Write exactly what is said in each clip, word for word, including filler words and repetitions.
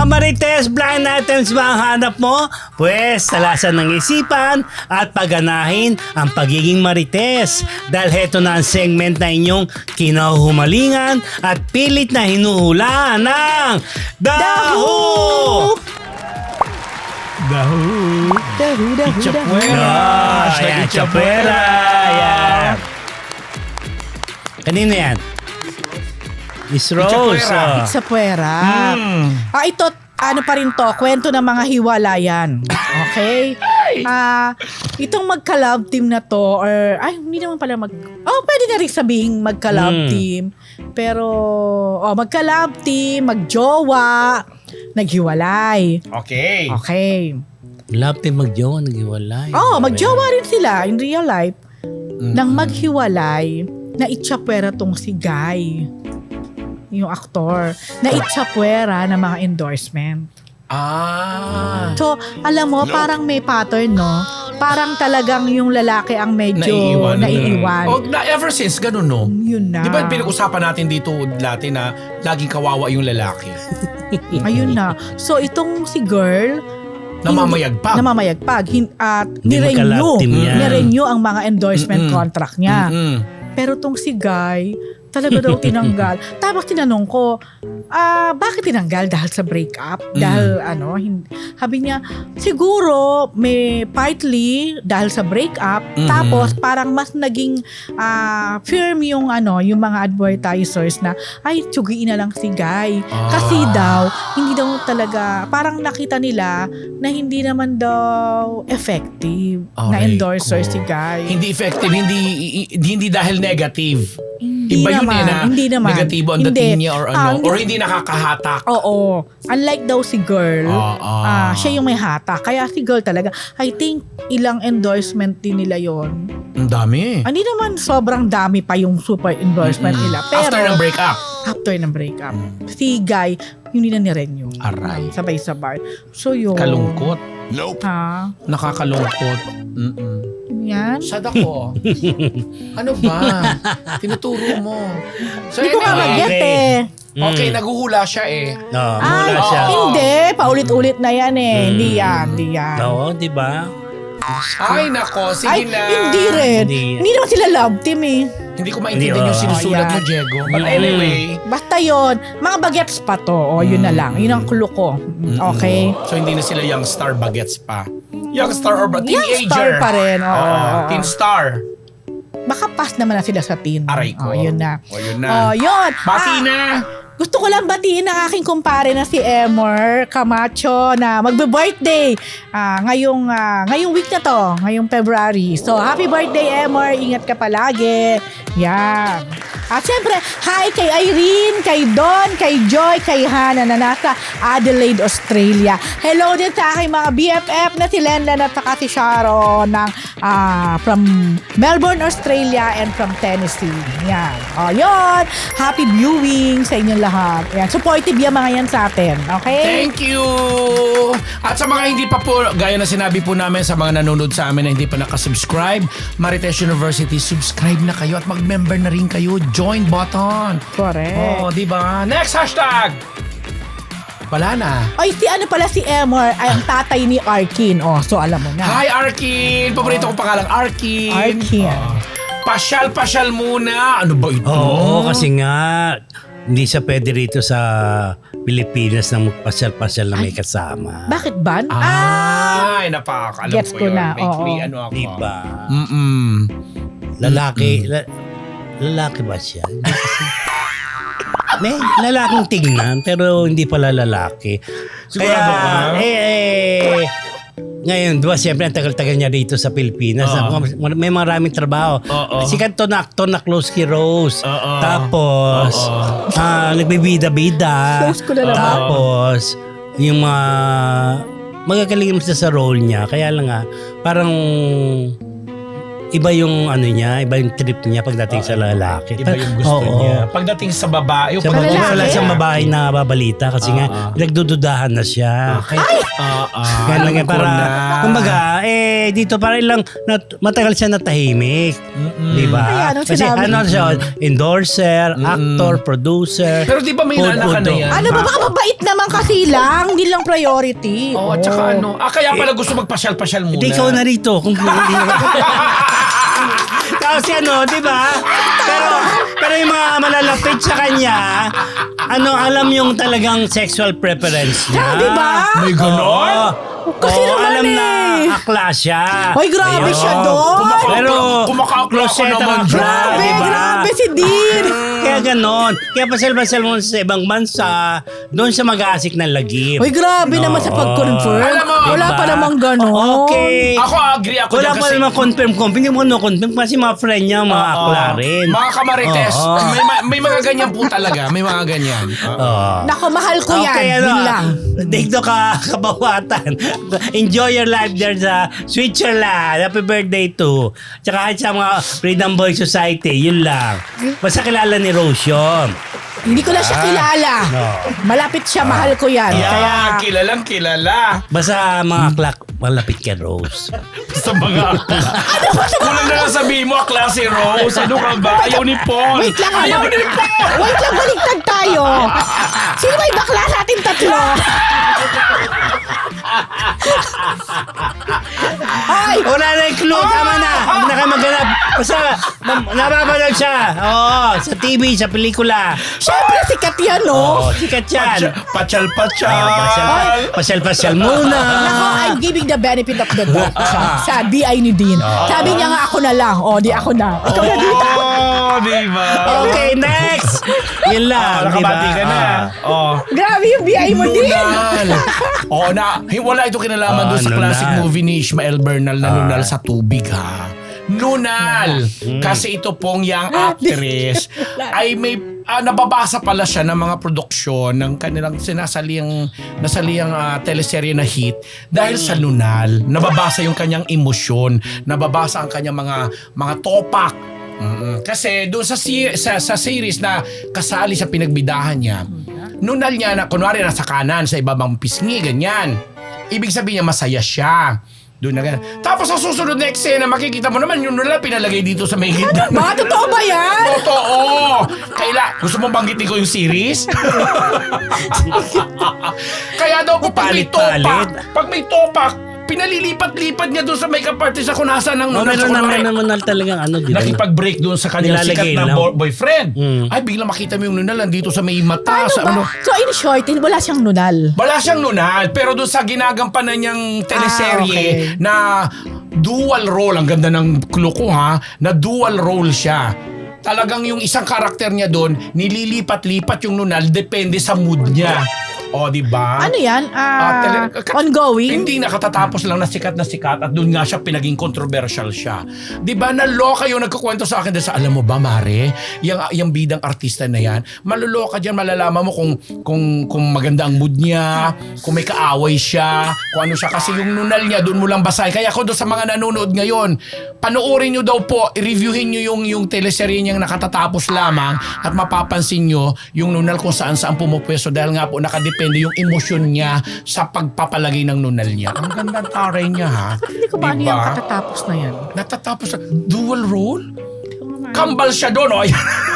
Marites, blind items ba ang hanap mo? Pwes, talasan ng isipan at pagganahin ang pagiging Marites. Dahil heto na ang segment na inyong kinahumalingan at pilit na hinuhulaan ng Dahu! Dahu! Dahu, dahu, dahu. Chapuera. Ayan, Chapuera! Ayan. Kanina yan? Miss Rose. Chapuera. oh. Sa puwera. Hmm. Ah, ito, ano pa rin to, kwento ng mga hiwalayan. Okay? Ah, itong magka-love team na to, or, ay, hindi naman pala mag, oh, pwede na rin sabihin magka-love Hmm. team. Pero, oh, magka-love team, magjowa, naghiwalay. Okay. Okay. Love team magjowa, naghiwalay. Oh, magjowa rin sila in real life. Nang maghiwalay, na itchapwera tong si Guy, yung aktor, na itchapwera ng mga endorsement. Ah. So, alam mo, parang may pattern, no? Parang talagang yung lalaki ang medyo Naiiwan. naiiwan. Oh, na, ever since, ganun no? Yun na. Di ba pinag-usapan natin dito dati na laging kawawa yung lalaki? Ayun na. So, itong si girl, Namamayagpag. namamayagpag. Hin- At Hindi nirenew. magka-love team yan. Nirenew ang mga endorsement Mm-mm. contract niya. Mm-mm. Pero tong si Guy, talaga daw tinanggal. Tapos tinanong ko, ah, bakit tinanggal? Dahil sa breakup? Dahil ano, hindi. Sabi niya, siguro may partly dahil sa breakup, Mhm. tapos parang mas naging ah, firm yung ano, yung mga advertisers na, ay, tsugiin na lang si Guy. Kasi Ah. daw, hindi daw talaga, parang nakita nila na hindi naman daw effective na Aray endorser ko. si Guy. Hindi effective, hindi i- hindi dahil negative. Hindi Iba yun naman, eh na hindi naman. negatibo ang Hindi. dating niya or ano. Ah, hindi. Or hindi nakakahatak. Oo. Unlike daw si girl, Ah, ah. ah, siya yung may hata. Kaya si girl talaga, I think ilang endorsement din nila yon. Ang dami. Hindi naman sobrang dami pa yung super endorsement Mm-mm. nila. Pero After ng breakup. after ng breakup, si Guy, hindi na ni-renew. Aray. Sabay-sabay. So yun. Kalungkot. Ha? Nakakalungkot. Mm-mm. Yan. Sad ako. Ano ba? Tinuturo mo. So Hindi ko nga anyway, mag-get okay. eh. okay, Mm. naguhula siya eh. No, Ay, mula siya. hindi. Paulit-ulit na yan eh. Mm. Hindi yan, hindi yan. Oo, di ba? Ay, nako. Sige Ay, na. hindi rin. Hindi. Hindi naman sila love team eh. Hindi ko maintindihan Hindi, yung oh. sinusulat Oh, mo, yan. Diego. But Mm. anyway. Basta yon, mga bagets pa to. O, yun na lang. Yun ang clue ko. Mm, Okay? So, hindi na sila young star bagets pa. Young star or ba? Teenager. Young star pa rin. Oo, Oo, oo, teen oo. star. Baka pass naman na sila sa teen. Aray ko. O, yun na. O, yun na. O, yun. Bati Ah, na. Gusto ko lang batiin ang aking kumpare na si Emor Camacho na magbe-birthday ah, ngayong, ah, ngayong week na to, ngayong February. So, happy birthday, Emor. Ingat ka palagi. Yan. At syempre, hi kay Irene, kay Don, kay Joy, kay Hannah na nasa Adelaide, Australia. Hello din sa aking mga B F F na si Lenlen at saka si Sharon ng, ah, from Melbourne, Australia and from Tennessee. Yan. O, yun. Happy viewing sa inyong lahat. Yan. Supportive yung mga yan sa atin. Okay? Thank you! At sa mga hindi pa po, gaya na sinabi po namin sa mga nanonood sa amin na hindi pa nakasubscribe, Marites University, subscribe na kayo at mag-member na rin kayo. Join button. Correct. Oh, di ba? Next hashtag! Wala na. Ay, si ano pala si Emor ay ang tatay ni Arkin. Oh, so alam mo na. Hi, Arkin! Paborito kong pangalang Arkin. Arkin. Oh. Pasyal-pasyal muna. Ano ba ito? Oo, kasi nga, hindi siya pwede rito sa Pilipinas na magpasyal-pasyal na may kasama. Bakit ban? Ah! Ay, napaka. Alam Gets ko ko yun. na, Make oo. me ano ako. Di ba? Mm-mm. Lalaki, la- lalaki ba siya? Hindi kasi. May lalaking tingnan, pero hindi pala lalaki. Sigurado ka? eh, eh, ngayon, diba, siyempre, ang tagal-tagal niya dito sa Pilipinas. Oo. May maraming trabaho. Oo. Sikat to na actor na Close Key Rose. Oo. Tapos, Oo. ah, nagbibida-bida. Close ko na naman. Tapos, yung mga magagaling siya sa role niya. Kaya lang nga, parang iba yung ano niya, iba yung trip niya pagdating sa lalaki. Iba yung gusto Oo. niya. Pagdating sa babae, Sa pag- babae, lalaki? wala siyang babae na babalita kasi nga Ah, ah. nagdududahan na siya. Kaya, ah, ah, Kaya lang alam yan, ko para, na. kumbaga, eh, dito para ilang, nat, matagal siya natahimik. Di ba? Ay, anong Kasi sinabi? ano siya, endorser, actor, producer. Pero di ba may food, nanak ka na food, yan? Ano ba, baka mabait naman kasi lang, hindi lang priority. Oo, at saka ano. Ah, kaya pala gusto magpasyal-pasyal muna. Hindi ikaw na rito. Kung hindi Kasi ano, di ba? Pero, pero yung mga malalapit sa kanya, ano, alam yung talagang sexual preference niya. Ah, di ba? May ganon? Oo. Kasi Oo, naman alam eh. na akla siya. Hoy, grabe Ayun. siya doon. Kumaka- Pero, kumakaakla ko closet naman ang dyan. akla, Grabe, di ba? grabe si Dean. Kaya ganon. Kaya pasal-pasal mo sa ibang bansa, doon siya mag-aasik ng lagim. Hoy, grabe naman sa pag-confirm. Alam mo, Wala diba? pa namang ganon. Okay. Ako agree ako Wala dyan pa kasi... naman confirm confirm. Hindi mo no-confirm kasi mga friend niya, mga Oo. akla rin. Mga kamarites, Oo. may, ma- may mga ganyan po talaga. May mga ganyan. Oo. Nako, mahal ko yan. Okay, ano, Yun lang. dito ka, kabawatan. Enjoy your life there sa Switzerland. Happy birthday to. Tsaka sa mga Freedom Boy Society, yun lang. Basta kilala ni Rose yun. Hindi ko na siya kilala. No. Malapit siya, mahal ko yan. Yan, Kaya, kilalang kilala. Basta mga klak, malapit kay Rose. Sa mga akla. Kulang na lang sabihin mo, akla si Rose. Ano ka ba? Ayaw ni Paul. wait lang. Ayaw ano? ni Paul. Wait lang, baligtad tayo. Sino ba yung bakla sa ating tatlo? Ay, Wala na yung clue. Tama na. Huwag na kayo maghanap. Basta nam- napapanood siya. Oo, sa T V, sa pelikula. syempre sikat yan, no? Oo, sikat yan. Patsal-patsal. Ah, pasyal, pasyal-pasyal muna. Nako, I'm giving the benefit of the doubt sa, sa D I ni Dean. Sabi niya nga ako na lang. O, di ako na. Ikaw na dito. Oh, di ba? Okay, next. Yun lang, Ah, di ba? nakabati ka na. Oh. Grabe yung B I mo, Dean. Nunal. Oo na, hey, wala ito kinalaman Ah, doon sa Nunal. classic movie ni Ishmael Bernal na Nunal sa tubig ha. Nunal. Kasi ito pong young actress ay may ah, nababasa pala siya ng mga produksyon ng kanilang sinasaliang nasaliang ah, teleserye na hit dahil sa Nunal. Nababasa yung kanyang emosyon, nababasa ang kanyang mga mga topak. Mm-mm. Kasi doon sa, si- sa sa series na kasali sa pinagbidahan niya, nunal niya na kunwari nasa kanan sa ibabang pisngi, ganyan. Ibig sabihin niya masaya siya. Doon na ganyan. Tapos sa susunod na eksena, makikita mo naman yung nunal pinalagay dito sa may gitna. Mga totoo ba yan? Totoo! Kaila, gusto mong banggitin ko yung series? Kaya daw po pag may Palit-palit. topak, pag may topak, pinalilipat-lipat niya doon sa makeup artist ako nasaan ng Oh, nunal. meron So, na, kunwari, meron na talagang ano, di ba? nakipag-break doon sa kanyang Nilalagay sikat na lang. bo- boyfriend. Mm. Ay, biglang makita mo yung nunal nandito sa may mata. Paano sa ba? ano. So in short, wala siyang nunal. Wala siyang nunal, pero doon sa ginagampanan niyang teleserye Ah, okay. na dual role, ang ganda ng clue ko ha, na dual role siya. Talagang yung isang karakter niya doon, nililipat-lipat yung nunal, depende sa mood niya. O, di ba? Ano yan? Ah, Ah, tele- ka- ongoing? Hindi nakatatapos lang na sikat na sikat at doon nga siya pinaging controversial siya. 'Di ba naloka yung nagkukwento sa akin dahil sa alam mo ba Mare, yung yung bidang artista na yan, maluloka diyan, malalaman mo kung kung kung maganda ang mood niya, kung may kaaway siya, kung ano siya kasi yung nunal niya doon mo lang basahin. Kaya ako doon sa mga nanonood ngayon, panoorin niyo daw po, i-reviewin niyo yung yung teleserye niyang nakatatapos lamang at mapapansin niyo yung nunal kung saan-saan pumupwesto dahil nga po nakadepende yung emosyon niya sa pagpapalagay ng nunal niya. Ang ganda ng taray niya ha. Hindi ko ba ano Diba? yung katatapos na yan? Natatapos sa dual role? Kambal siya doon, oh.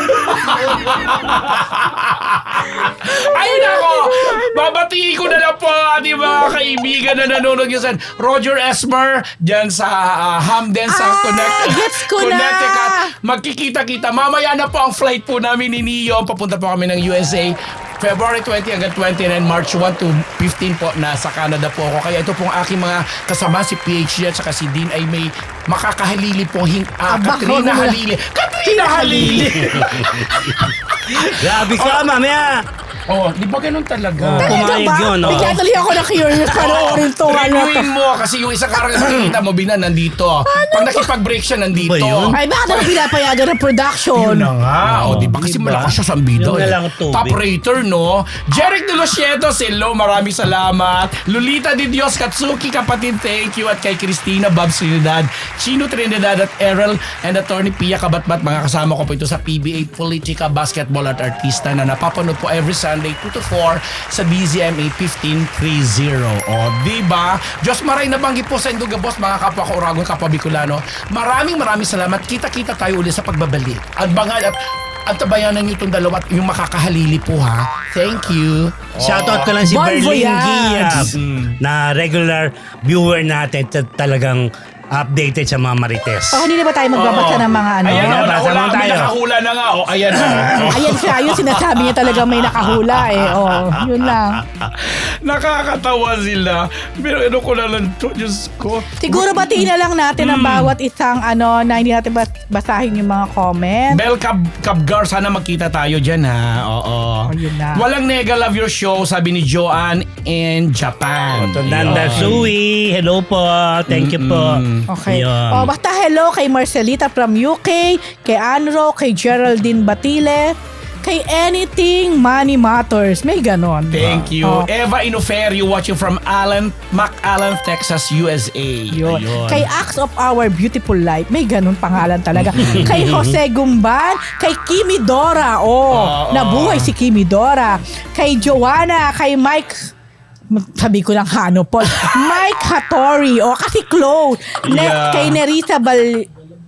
Ay, nako! Babatiin ko na lang po ating mga kaibigan na nanonood nyo sa Roger Esmer dyan sa uh, Hamden sa Ah, Connect, gets ko na! Connecticut. Magkikita-kita. Mamaya na po ang flight po namin ni Neo. Papunta po kami ng U S A. February twenty hanggang twenty-nine, March one to fifteen po, nasa Canada po ako. Kaya ito pong aking mga kasama, si P H D at saka si Dean ay may makakahalili po hing, ah, Aba, Katrina wag mo na. Halili. Katrina Halili! Grabe ka, mamaya. Oh, di ba ganun talaga? Oh. Talaga Pumayag ba? yun, oh. Bigla tuloy ako na curious panoorin to. Ano to? Reviewin mo kasi yung isang karakter makikita mo bina nandito. Pag nakipag-break siya nandito. Ba yun? Ay, bakit ako pinapayagan ng production? Yun na nga. O, di ba? Kasi Diba? malakas siya sa ambida. Yun na eh. lang ang tubig. Top rater, no? Jeric De Los Cietos, hello. Maraming salamat. Lolita Di Dios, Katsuki, kapatid, thank you. At kay Cristina, Babs Trinidad, Chino Trinidad, at Errol, and Attorney Pia Kabatbat. Mga kasama ko po ito sa P B A Politika, Basketball at Artista na napapanood po every Sunday two to four sa D Z M A fifteen thirty. O, di ba? Diyos maray nabanggit po sa Induga Boss, mga kapwa ko Uragon, kapwa Bicolano. Maraming maraming salamat. Kita-kita tayo ulit sa pagbabalik. At bangal at at tabayanan niyo itong dalawa at yung makakahalili po ha. Thank you. Shoutout ko lang si Bon Berlin voyage! Giab na regular viewer natin at talagang updated sa mga Marites. Oh, hindi na ba tayo magbabasa ng mga ano? Ayan, Ayan, oh, basa nakahula, mo may tayo. nakahula na nga. O, ayan na. Ayan siya, yung sinasabi niya talaga may nakahula eh. Oh, yun lang. Nakakatawa sila. Pero ano ko na lang to, Diyos ko. Siguro batiin na lang natin ang bawat isang ano na hindi natin bas- basahin yung mga comment. Bel Cab Cabgar, sana magkita tayo dyan ha. Oo. Oh, yun na. Walang nega love your show, sabi ni Joanne in Japan. Nanda Yun. Sui, hello po. Thank you po. Okay. Yun. Oh, basta hello kay Marcelita from U K, kay Anro, kay Geraldine Batile, kay Anything Money Matters. May ganon. Thank you. Oh. Eva Inoferio watching from Allen, McAllen, Texas, U S A. Yun. Ayun. Kay Acts of Our Beautiful Life, may ganun pangalan talaga. Kay Jose Gumban, kay Kimi Dora, oh, Oo. nabuhay si Kimi Dora. Kay Joanna, kay Mike, sabi ko lang Hano Paul, Mike Hattori, oh, kasi clone. Ne- Yeah. Kay Nerissa Bal-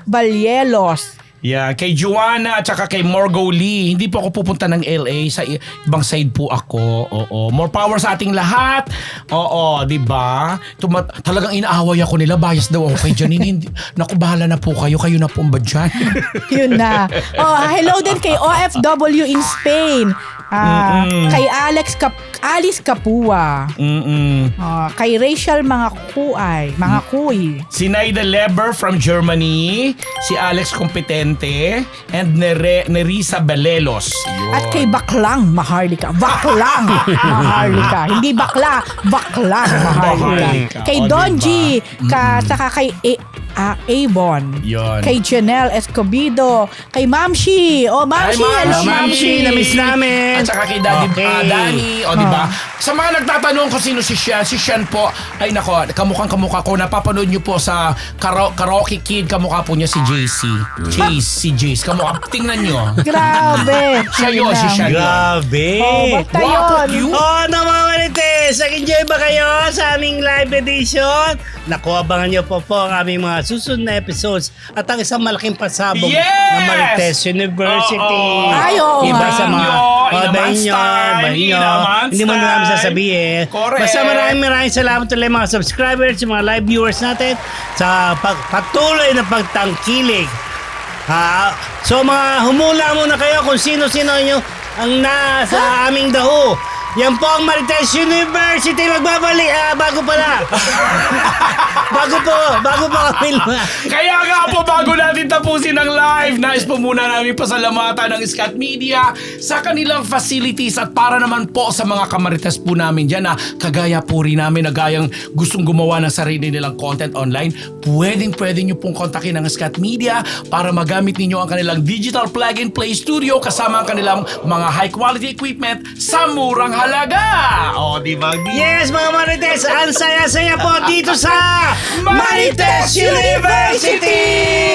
Balyelos. Yeah, kay Joanna at saka kay Morgo Lee. Hindi po ako pupunta ng L A, sa i- ibang side po ako. Oo, more power sa ating lahat. Oo, 'di ba? Tuma- talagang inaaway ako nila, bias daw ako kay Janine. Hindi, naku, bahala na po kayo, kayo na po ba dyan? Yun na. Oh, hello din kay O F W in Spain. Ah, Mm-mm. kay Alex Cap- Alice Capua. Mm-mm. Ah, kay Rachel mga kuay, mga kuy. Si Naida Leber from Germany, si Alex Competente, and Nere, Nerissa Belelos. Yun. At kay Baklang Maharlika. Baklang Maharlika. Hindi bakla, Baklang Maharlika. Maharlika. Kay O, Donji, ka, saka kay A, ah, Avon. Yun. Kay Janelle Escobido. Kay Mamshi. Oh, Mamshi. Ay, hello, Ma'am Shi, na-miss namin. At saka kay Daddy Okay. ah, Danny, o di ba? Sa mga nagtatanong kung sino si Sian, si Sian po, ay nako, kamukhang kamukha ko. Napapanood niyo po sa kara- Karaoke Kid, kamukha po niya si J C. Chase, si Jace. Kamukha, tingnan niyo. Grabe. Siya yun, si Sian yun. Grabe. Oh, basta Guwapo, yun. cute. Oh, na mga Marites, nag-enjoy ba kayo sa aming live edition? Naku, abangan niyo po po ang aming mga susunod na episodes at ang isang malaking pasabog Yes! ng Marites University. Oo. Ay, oo Iba nga. sa mga Inyo, oh, inaman bahin nyo, style, bahin nyo. inaman Hindi mo na namin style. sasabihin. Correct. Basta maraming maraming salamat ulit mga subscribers, sa mga live viewers natin sa pag- patuloy na pagtangkilik. Ah, so mga humula muna kayo kung sino-sino nyo ang nasa aming daho. Yan po ang Marites University magbabalik. Ah, bago pala. bago po, bago pa kami. Kaya nga po, bago natin tapusin ang live, nais po muna namin pasalamatan ng Scat Media sa kanilang facilities at para naman po sa mga kamarites po namin dyan na kagaya po rin namin na gayang gustong gumawa ng sarili nilang content online, pwedeng pwede nyo pong kontakin ang Scat Media para magamit ninyo ang kanilang digital plug and play studio kasama ang kanilang mga high quality equipment sa murang halaga. O, di ba? Yes, mga Marites, ang saya-saya po dito sa Marites University!